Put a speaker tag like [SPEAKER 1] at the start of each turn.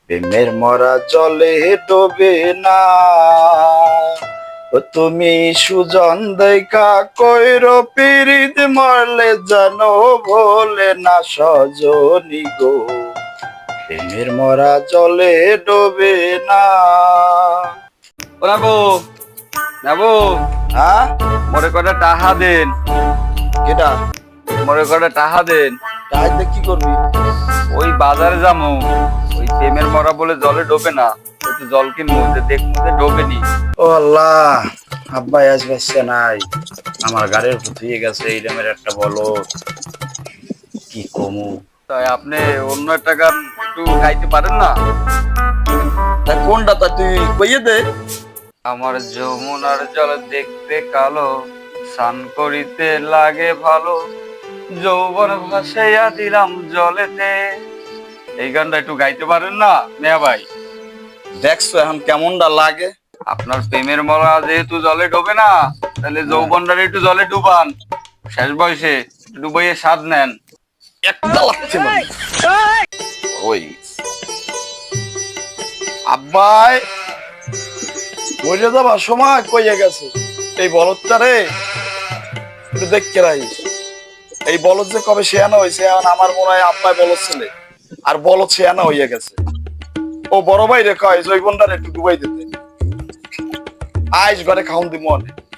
[SPEAKER 1] প্রেমের মরা জলে ডোবে না। ও তুমি সুজন দেখা কইর পিরিত মরলে জানো ভোলে না সজনী গো, প্রেমের মরা জলে ডোবে না।
[SPEAKER 2] ও নাবো নাবো,
[SPEAKER 1] হ্যাঁ
[SPEAKER 2] মরে কটা টাহা দেন,
[SPEAKER 1] কেটা
[SPEAKER 2] মরে কটা টাহা দেন।
[SPEAKER 1] রাইতে কি করবি?
[SPEAKER 2] ওই বাজারে যামু, ওই প্রেমের মরা বলে জলে ডোবে না, একটু জল কিনবো, যে দেখবো যে ডোবেনি।
[SPEAKER 1] ও আল্লাহ, আব্বাই আজ বাসছে নাই, আমার গাড়ির উপর ধুয়ে গেছে এই দামের একটা বলো, কি কমু।
[SPEAKER 2] তাই আপনি অন্য একটা গান একটু গাইতে পারেন না?
[SPEAKER 1] তা কোনটা তা তুই কইয়ে দে।
[SPEAKER 2] আমার যমুনার জল দেখতে কালো, স্নান করিতে লাগে ভালো, যৌবন ভাসাইয়া দিলাম জলেতে। এই গানটা একটু গাইতে পারেন না মিয়া ভাই?
[SPEAKER 1] দেখছো এখন কেমনটা লাগে?
[SPEAKER 2] আপনার প্রেমের মরা যেহেতু জলে ডোবে না, তাহলে যৌবনটারে একটু জলে ডুবান, শেষ বয়সে ডুবাইয়ে স্বাদ নেন।
[SPEAKER 1] একটা লাগছে মানে। ওই আব্বাই মরে যাবার সময় কইয়ে গেছে, এই বলদটা রে একটু দেখতে রাখিস। এই বলদ যে কবে শেয়ানা হয়েছে, এখন আমার মনে হয় আব্বাই বলদ ছেলে, আর বলদ শেয়ানা হইয়া গেছে। ও বড় ভাই রে কয় জৈবনটারে একটু ডুবাই দিতে, আইস ঘরে খাউন দি মনে।